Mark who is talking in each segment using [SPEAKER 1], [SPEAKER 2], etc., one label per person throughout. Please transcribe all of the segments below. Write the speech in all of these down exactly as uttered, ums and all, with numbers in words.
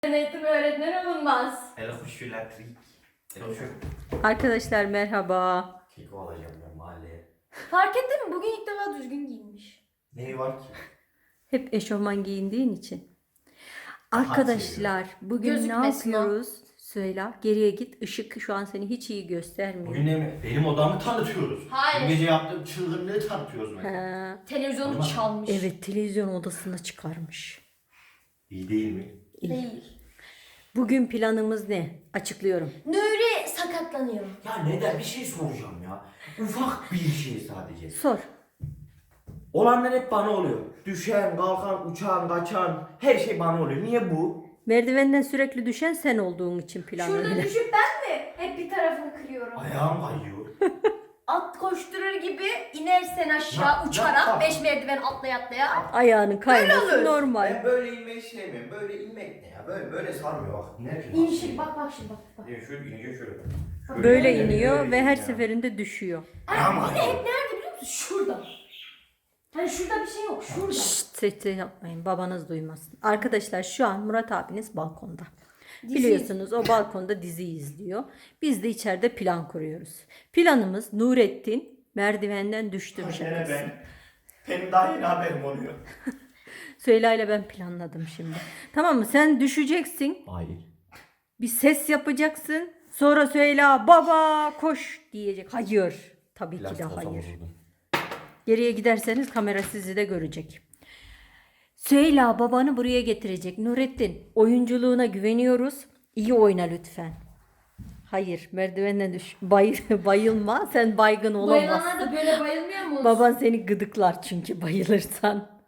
[SPEAKER 1] Eğitim öğretmen olunmaz.
[SPEAKER 2] Hele hoş elektrik. Hele hoş.
[SPEAKER 3] Arkadaşlar merhaba.
[SPEAKER 2] Keko alacağım ben mahalleye.
[SPEAKER 1] Fark ettin mi? Bugün ilk defa düzgün giyinmiş.
[SPEAKER 2] Neyi var ki?
[SPEAKER 3] Hep eşofman giyindiğin için. Arkadaşlar bugün
[SPEAKER 1] Gözükmesin
[SPEAKER 3] ne
[SPEAKER 1] o.
[SPEAKER 3] yapıyoruz? Söyle. Geriye git. Işık şu an seni hiç iyi göstermiyor.
[SPEAKER 2] Bugün ne mi? Benim odamı tanıtıyoruz.
[SPEAKER 1] Hayır.
[SPEAKER 2] Dün gece yaptığım çılgınlığı tanıtıyoruz mesela.
[SPEAKER 3] Ha,
[SPEAKER 1] Televizyonu
[SPEAKER 2] Olmaz.
[SPEAKER 1] çalmış.
[SPEAKER 3] evet, televizyon odasına çıkarmış.
[SPEAKER 2] İyi değil mi?
[SPEAKER 1] Değil.
[SPEAKER 3] Bugün planımız ne? Açıklıyorum.
[SPEAKER 1] Nuri sakatlanıyor.
[SPEAKER 2] Ya neden? Bir şey soracağım ya. Ufak bir şey sadece.
[SPEAKER 3] Sor.
[SPEAKER 2] Olanlar hep bana oluyor. Düşen, kalkan, uçan, kaçan her şey bana oluyor. Niye bu?
[SPEAKER 3] Merdivenden sürekli düşen sen olduğun için plan
[SPEAKER 1] Şurada
[SPEAKER 3] öyle.
[SPEAKER 1] düşüp ben mi? Hep bir tarafını kırıyorum.
[SPEAKER 2] Ayağım kayıyor.
[SPEAKER 1] At koşturur gibi inersen aşağı
[SPEAKER 2] Ya,
[SPEAKER 1] uçarak
[SPEAKER 2] ya,
[SPEAKER 1] beş merdiven atlaya atlaya.
[SPEAKER 3] Ayağının kayması
[SPEAKER 1] olur.
[SPEAKER 3] normal.
[SPEAKER 2] Ben böyle inmeyi sevmiyorum. Böyle inmek ne ya? Böyle böyle sarmıyor bak. İnerken
[SPEAKER 1] İnişir bak bak şimdi bak. bak.
[SPEAKER 2] Ya şöyle ineceğim şöyle. Şöyle
[SPEAKER 3] Böyle
[SPEAKER 2] ineceğim,
[SPEAKER 3] iniyor
[SPEAKER 2] böyle
[SPEAKER 3] ve her
[SPEAKER 2] ineceğim.
[SPEAKER 3] seferinde düşüyor.
[SPEAKER 2] Ayağım
[SPEAKER 1] Bir de
[SPEAKER 2] kayıyor.
[SPEAKER 1] hep nerede biliyor musun? Şurada. Hani şurada bir şey yok. Şurada.
[SPEAKER 3] Şşt, ses yapmayın, babanız duymasın. Arkadaşlar şu an Murat abiniz balkonda.
[SPEAKER 1] Dizi
[SPEAKER 3] Biliyorsunuz o balkonda dizi izliyor. Biz de içeride plan kuruyoruz. Planımız Nurettin merdivenden düştü
[SPEAKER 2] Gene
[SPEAKER 3] şakası.
[SPEAKER 2] ben. Benim daha yeni haberim oluyor.
[SPEAKER 3] Süheyla ile ben planladım şimdi. Tamam mı? Sen düşeceksin.
[SPEAKER 2] Hayır.
[SPEAKER 3] Bir ses yapacaksın. Sonra Süheyla baba koş diyecek. Hayır. Tabii ki de hayır. Geriye giderseniz kamera sizi de görecek. Süheyla babanı buraya getirecek. Nurettin oyunculuğuna güveniyoruz. İyi oyna lütfen. Hayır, merdivenden düş. Bay, bayılma. Sen baygın
[SPEAKER 1] Bayılanlar
[SPEAKER 3] olamazsın.
[SPEAKER 1] da böyle bayılmıyor mu?
[SPEAKER 3] Baban seni gıdıklar çünkü bayılırsan.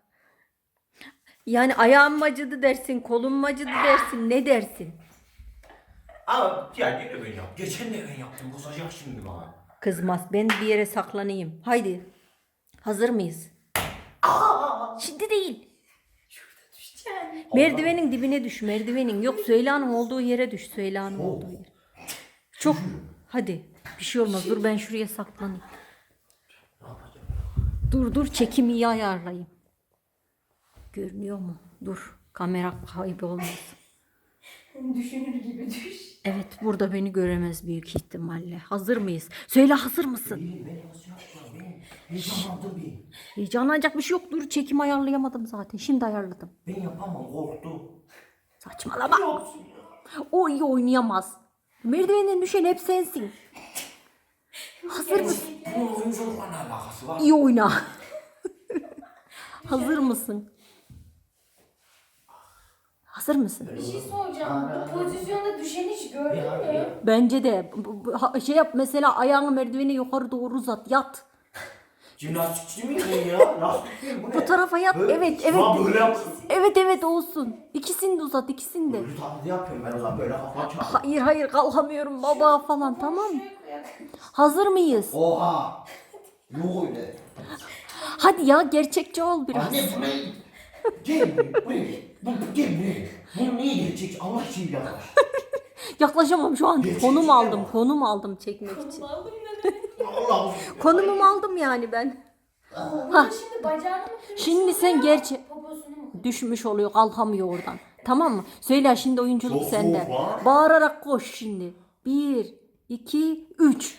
[SPEAKER 3] Yani ayağım mı acıdı dersin, kolum mu acıdı dersin, ne dersin?
[SPEAKER 2] Ama ya yine ben yap. Geçen de ben yaptım. Bozacak şimdi bana.
[SPEAKER 3] Kızmaz. Ben bir yere saklanayım. Haydi. Hazır mıyız? Şimdi değil.
[SPEAKER 1] Yani.
[SPEAKER 3] Merdivenin dibine düş. Merdivenin. Yok, Süheyla'nın olduğu yere düş. Süheyla'nın
[SPEAKER 2] Oh.
[SPEAKER 3] olduğu yere. Çok. Hadi. Bir şey olmaz. Dur ben şuraya saklanayım.
[SPEAKER 2] Ne yapacağım?
[SPEAKER 3] Dur dur çekimi iyi ayarlayayım. Görünüyor mu? Dur. Kamera kaybolmasın.
[SPEAKER 1] Düşünür gibi düş.
[SPEAKER 3] Evet, burada beni göremez büyük ihtimalle. Hazır mıyız? Söyle, hazır mısın?
[SPEAKER 2] Benim beni nasıl yapacağım? Ben heyecanlandım ben.
[SPEAKER 3] Heyecanlanacak bir şey yok. Dur, çekim ayarlayamadım zaten. Şimdi ayarladım.
[SPEAKER 2] Ben yapamam korktum.
[SPEAKER 3] Saçmalama.
[SPEAKER 2] Yapsın ya.
[SPEAKER 3] O iyi oynayamaz. Merdivenden düşen hep sensin. Hazır mısın?
[SPEAKER 2] Bunun oyunculukla ne alakası var?
[SPEAKER 3] İyi oyna. Hazır mısın? Hazır mısın?
[SPEAKER 1] Bir şey soracağım. Bu pozisyonda düşeni hiç gördün
[SPEAKER 2] Ya,
[SPEAKER 1] mü?
[SPEAKER 2] ya.
[SPEAKER 3] Bence de bu- bu- ha- şey yap, mesela ayağını merdivene yukarı doğru uzat, yat.
[SPEAKER 2] Jimnastikçi miyim ben ya? Lastik miyim bu ne?
[SPEAKER 3] Bu tarafa yat.
[SPEAKER 2] Böyle-
[SPEAKER 3] Evet,
[SPEAKER 2] Şu
[SPEAKER 3] evet.
[SPEAKER 2] an böyle yapıyorum.
[SPEAKER 3] Evet evet olsun. İkisini de uzat, ikisini de.
[SPEAKER 2] Böyle taklidi yapıyorum ben o zaman böyle kafa açarım.
[SPEAKER 3] Hayır hayır kalkamıyorum baba falan, tamam mı? Hazır mıyız?
[SPEAKER 2] Oha! Yok öyle.
[SPEAKER 3] Hadi ya, gerçekçi ol biraz.
[SPEAKER 2] Anne bu ne? Gel buraya, buraya. Bu, bu, gel buraya. Bu niye gelecek? Allah için yaklaş.
[SPEAKER 3] Yaklaşamam şu an.
[SPEAKER 2] Gerçekçi
[SPEAKER 3] Konum
[SPEAKER 2] ya.
[SPEAKER 3] aldım, konum aldım çekmek için.
[SPEAKER 1] Aldım ne?
[SPEAKER 2] Allah
[SPEAKER 3] Konumumu aldım yani ben.
[SPEAKER 1] Burada şimdi bacağını mı kırıyorsun?
[SPEAKER 3] Şimdi sen
[SPEAKER 1] ya?
[SPEAKER 3] gerçek
[SPEAKER 1] Poposunu mu kırıyorsun?
[SPEAKER 3] düşmüş oluyor, kalkamıyor oradan. Tamam mı? Söyle şimdi, oyunculuk
[SPEAKER 2] Çok
[SPEAKER 3] sende.
[SPEAKER 2] soğuk var.
[SPEAKER 3] Bağırarak koş şimdi. Bir, iki, üç.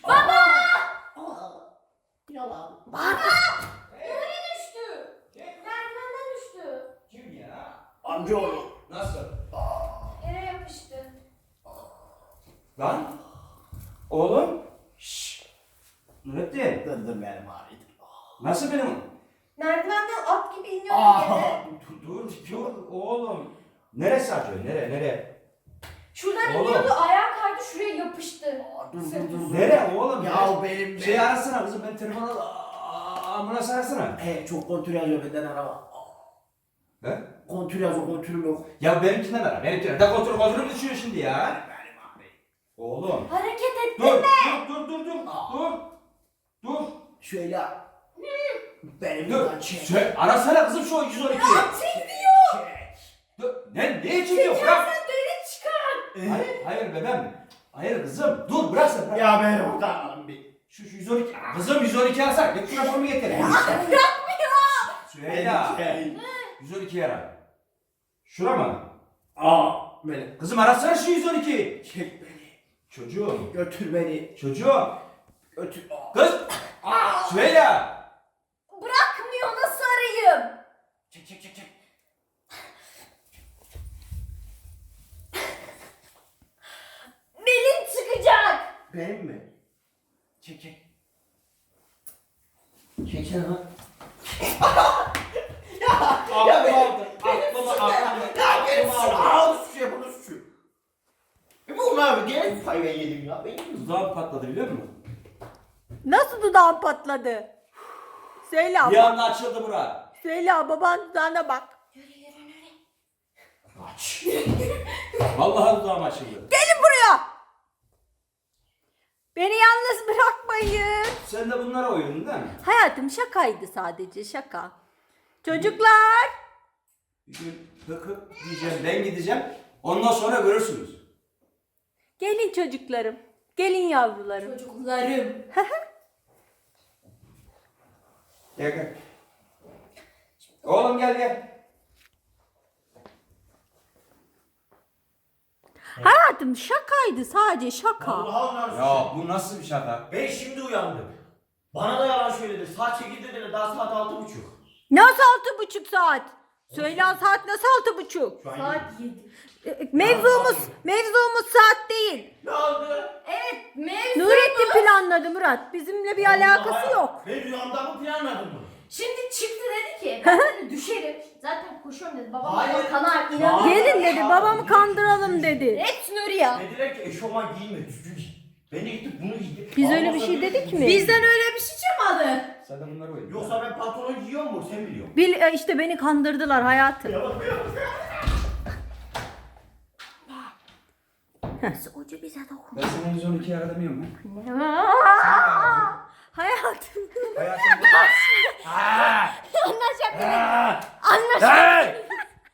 [SPEAKER 2] Yalan.
[SPEAKER 1] Nereye düştü? Merdivenden düştü.
[SPEAKER 2] Kim ya? Amcaoğlu. Nasıl?
[SPEAKER 1] Yere yapıştı.
[SPEAKER 4] Lan oğlum şşş Nurettin
[SPEAKER 2] Dındır benim abi.
[SPEAKER 4] nasıl benim?
[SPEAKER 1] Merdivenden at gibi iniyor
[SPEAKER 2] Aa,
[SPEAKER 1] yere.
[SPEAKER 4] Dur dur oğlum. Neresi acıyor? Nere nere?
[SPEAKER 1] Şuradan
[SPEAKER 4] Oğlum.
[SPEAKER 1] iniyordu, ayağa kaydı, şuraya yapıştı.
[SPEAKER 2] Dur dur dur.
[SPEAKER 4] Nere oğlum?
[SPEAKER 2] Ya benim
[SPEAKER 4] Şey arasana kızım, ben telefonu al. Aa, ambulans arasana.
[SPEAKER 2] He çok kontür yazıyor benden araba.
[SPEAKER 4] He?
[SPEAKER 2] Kontür yazıyor, kontürüm yok.
[SPEAKER 4] Ya benimkinden ara. Benimkinden. Da kontrol kontrolü düşüyor şimdi ya.
[SPEAKER 2] Benim abi.
[SPEAKER 4] Oğlum.
[SPEAKER 1] Hareket et.
[SPEAKER 4] Dur dur dur dur dur. Dur. Dur.
[SPEAKER 2] Şöyle. Benim
[SPEAKER 4] Dur.
[SPEAKER 2] buradan çek.
[SPEAKER 4] Şey, arasana kızım şu yüz on iki.
[SPEAKER 2] Çek.
[SPEAKER 4] Dur. Ne? Neye çekiyor? Bırak.
[SPEAKER 1] Sen deli çıkar.
[SPEAKER 4] Hayır, hayır bebeğim. Hayır kızım. Dur bırak sen. Bırak.
[SPEAKER 2] Ya beni buradan alın bir.
[SPEAKER 4] Şu, şu yüz on iki. Kızım yüz on iki arasak. Git şuna formu getir.
[SPEAKER 1] Bırakmıyor.
[SPEAKER 4] Süheyla.
[SPEAKER 2] Şey.
[SPEAKER 4] yüz on iki ara. Şura mı?
[SPEAKER 2] Aa. beni.
[SPEAKER 4] Kızım arasana şu yüz on iki.
[SPEAKER 2] Çek beni.
[SPEAKER 4] Çocuğum.
[SPEAKER 2] Götür beni.
[SPEAKER 4] Çocuğum.
[SPEAKER 2] Götür.
[SPEAKER 4] Kız. Süheyla.
[SPEAKER 1] Bırakmıyor, nasıl arayayım?
[SPEAKER 2] Çek çek çek çek.
[SPEAKER 1] Belin çıkacak.
[SPEAKER 2] Benim mi? Çek çek. Çeksene lan.
[SPEAKER 4] Aklım aldı. Aklım aldı.
[SPEAKER 2] Ya benim suçu. Aa bu suçu yapın suçu. E bu abi gene pay ben yedim ya. Benim
[SPEAKER 4] Dudağım patladı biliyor musun?
[SPEAKER 3] Nasıl dudağın patladı? Söyle
[SPEAKER 4] Bir
[SPEAKER 3] abla.
[SPEAKER 4] anda açıldı bura.
[SPEAKER 3] Söyle baban dudağına bak.
[SPEAKER 4] Aç. Vallahi dudağım açıldı.
[SPEAKER 3] Gelin buraya. Beni yalnız bırakmayın.
[SPEAKER 4] Sen de bunlara uyudun değil mi?
[SPEAKER 3] Hayatım şakaydı sadece şaka. Çocuklar.
[SPEAKER 4] Bir gün hık hık diyeceğim, ben gideceğim. Ondan sonra görürsünüz.
[SPEAKER 3] Gelin çocuklarım. Gelin yavrularım.
[SPEAKER 1] Çocuklarım.
[SPEAKER 4] Gel gel. Oğlum gel gel.
[SPEAKER 3] Hayatım şakaydı sadece şaka.
[SPEAKER 2] Allah'ım lan.
[SPEAKER 4] Ya bu nasıl bir şaka?
[SPEAKER 2] Ben şimdi uyandım. Bana da yalan söyledi. Saat sekiz dediler, daha saat altı buçuk.
[SPEAKER 3] Nasıl altı buçuk saat? Söyle saat nasıl altı buçuk?
[SPEAKER 2] Şu an
[SPEAKER 1] Saat
[SPEAKER 2] yedi.
[SPEAKER 1] yedi.
[SPEAKER 3] E, Mevzumuz, mevzumuz saat değil.
[SPEAKER 2] Ne oldu?
[SPEAKER 1] Evet, mevzu.
[SPEAKER 3] Nurettin planladı Murat. Bizimle bir alakası yok.
[SPEAKER 2] Ben rüyamda mı planladım bunu?
[SPEAKER 1] Şimdi çıktı dedi ki ben dedi düşerim. Zaten koşuyorum dedi. Babam
[SPEAKER 2] Hayır.
[SPEAKER 1] bana kanar inanıyor.
[SPEAKER 2] Hayır.
[SPEAKER 3] Gelin dedi babamı kandıralım dedi.
[SPEAKER 1] Hepsi Nuri ya.
[SPEAKER 2] Dediler ki eşofman giyme, düzgün giy. Ben de gittim bunu giydim.
[SPEAKER 3] Biz öyle
[SPEAKER 2] Ondan
[SPEAKER 3] bir
[SPEAKER 2] sonra
[SPEAKER 3] şey
[SPEAKER 2] böyle
[SPEAKER 3] dedik
[SPEAKER 2] giydim.
[SPEAKER 3] mi?
[SPEAKER 1] Bizden öyle bir şey çıkmadı.
[SPEAKER 4] Sen de bunlara uyudun.
[SPEAKER 2] Yoksa ben pantolon giyiyor mu? Sen biliyorsun.
[SPEAKER 3] Bil, e, işte beni kandırdılar hayatım.
[SPEAKER 2] Ya bak ya.
[SPEAKER 3] Ucu bize dokun.
[SPEAKER 4] Ben sana yüz on ikiyi ara demiyorum mu?
[SPEAKER 3] Hayatım.
[SPEAKER 4] Hayatım bu.
[SPEAKER 1] Anlaşabilir. Anlaşabilir.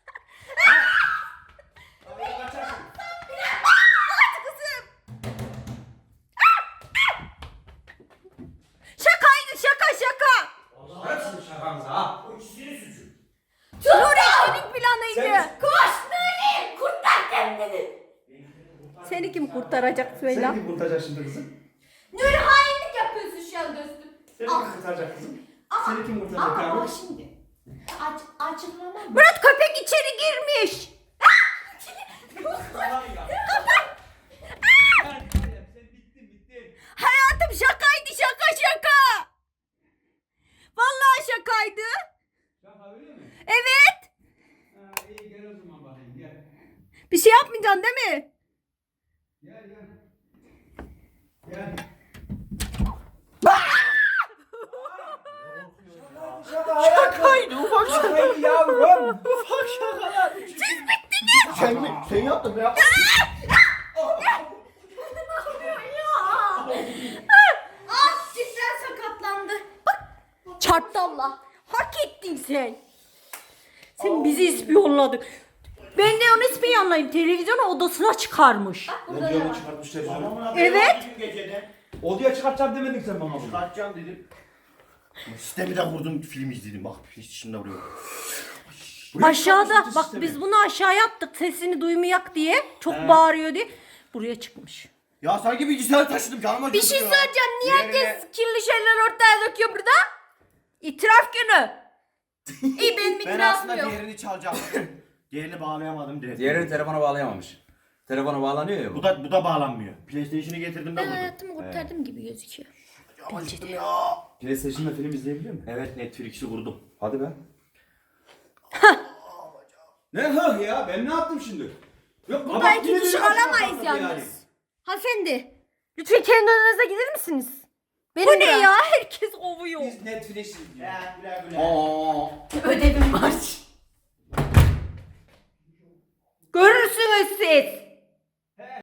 [SPEAKER 3] Şakaydı şaka şaka.
[SPEAKER 4] Hepsini şakamıza ha.
[SPEAKER 2] O ikisinin suçu.
[SPEAKER 3] Nurettin'in planıydı.
[SPEAKER 4] Sen-
[SPEAKER 1] Koş Nuri. Kurtar kendini.
[SPEAKER 3] Seni kim kurtaracak söyle.
[SPEAKER 4] Seni kim kurtaracak şimdi kızım?
[SPEAKER 1] Nuri hainlik yapıyorsun şu an dostum.
[SPEAKER 4] Seni
[SPEAKER 1] Ah.
[SPEAKER 4] kim kurtaracak kızım?
[SPEAKER 1] Ama-
[SPEAKER 4] Seni kim kurtaracak
[SPEAKER 1] Ama
[SPEAKER 4] abi?
[SPEAKER 1] bak şimdi. Aç, açıklamam mı?
[SPEAKER 3] Murat köpek içeri girmiş. Hayatım şakaydı şaka şaka. Vallahi şakaydı.
[SPEAKER 4] Şaka öyle mi?
[SPEAKER 3] Evet.
[SPEAKER 4] Ha, iyi gel o zaman bakayım gel.
[SPEAKER 3] Bir şey yapmayacaksın değil mi?
[SPEAKER 4] Gel gel. Gel.
[SPEAKER 2] Şakaydı ufak şaka.
[SPEAKER 4] Şakaydı yavrum.
[SPEAKER 2] Ufak şakalar. Siz bittiniz. Sen mi? Sen yaptın ya.
[SPEAKER 1] Ah cidden sakatlandı.
[SPEAKER 3] Çarptı Allah. Hak ettin sen. Sen bizi ispiyonladın. Ben de onu ispiyonlayayım. Televizyonu odasına çıkarmış.
[SPEAKER 1] Burada
[SPEAKER 4] Ne
[SPEAKER 1] da
[SPEAKER 4] diyor
[SPEAKER 1] var.
[SPEAKER 4] çıkartmış televizyonu?
[SPEAKER 2] Babamın haberi
[SPEAKER 3] Evet.
[SPEAKER 2] var bugün geceden.
[SPEAKER 4] Odaya çıkartacağım demedin sen bana bunu.
[SPEAKER 2] Çıkartacağım dedim. Sistemi de kurdum, film izledim. Bak hiç içinde vuruyor.
[SPEAKER 3] Aşağıda
[SPEAKER 4] çıkartmış
[SPEAKER 3] bak
[SPEAKER 4] sistemi.
[SPEAKER 3] biz bunu aşağıya attık sesini duymayak diye. Çok bağırıyor diye. Buraya çıkmış.
[SPEAKER 2] Ya sanki bilgisayar taşıdım canıma
[SPEAKER 3] Bir şey
[SPEAKER 2] acıdı ya.
[SPEAKER 3] söyleyeceğim. Niye
[SPEAKER 2] Diğerine-
[SPEAKER 3] herkes kirli şeyler ortaya döküyor burada? İtiraf günü.
[SPEAKER 1] İyi benim
[SPEAKER 2] Ben
[SPEAKER 1] itirafım
[SPEAKER 2] aslında
[SPEAKER 1] yok.
[SPEAKER 2] diğerini çalacaktım. Diğerini bağlayamadım direkt.
[SPEAKER 4] Diğerini telefona bağlayamamış. Telefona bağlanıyor ya bu.
[SPEAKER 2] Bu da bu da bağlanmıyor. PlayStation'ı getirdim de
[SPEAKER 1] Ben
[SPEAKER 2] buldum.
[SPEAKER 1] hayatımı kurtardım gibi gözüküyor.
[SPEAKER 2] Ya acıdım ya.
[SPEAKER 4] PlayStation'da film izleyebiliyor musun?
[SPEAKER 2] Evet Netflix'i kurdum.
[SPEAKER 4] Hadi be. Ne hıh ya? Ben ne yaptım şimdi? Yok,
[SPEAKER 3] Burada
[SPEAKER 4] kabak
[SPEAKER 3] iki
[SPEAKER 4] yine
[SPEAKER 3] kişi
[SPEAKER 4] benim başıma
[SPEAKER 3] alamayız
[SPEAKER 4] patladı
[SPEAKER 3] yalnız.
[SPEAKER 4] yani.
[SPEAKER 3] Hanımefendi. Lütfen kendi odanıza gider misiniz?
[SPEAKER 1] Benim
[SPEAKER 3] Bu ne
[SPEAKER 1] de-
[SPEAKER 3] ya? Herkes ovuyor.
[SPEAKER 4] Biz Netflix izliyoruz.
[SPEAKER 2] Ya güle güle.
[SPEAKER 4] Aa.
[SPEAKER 1] Ödevim var.
[SPEAKER 3] Görürsünüz siz.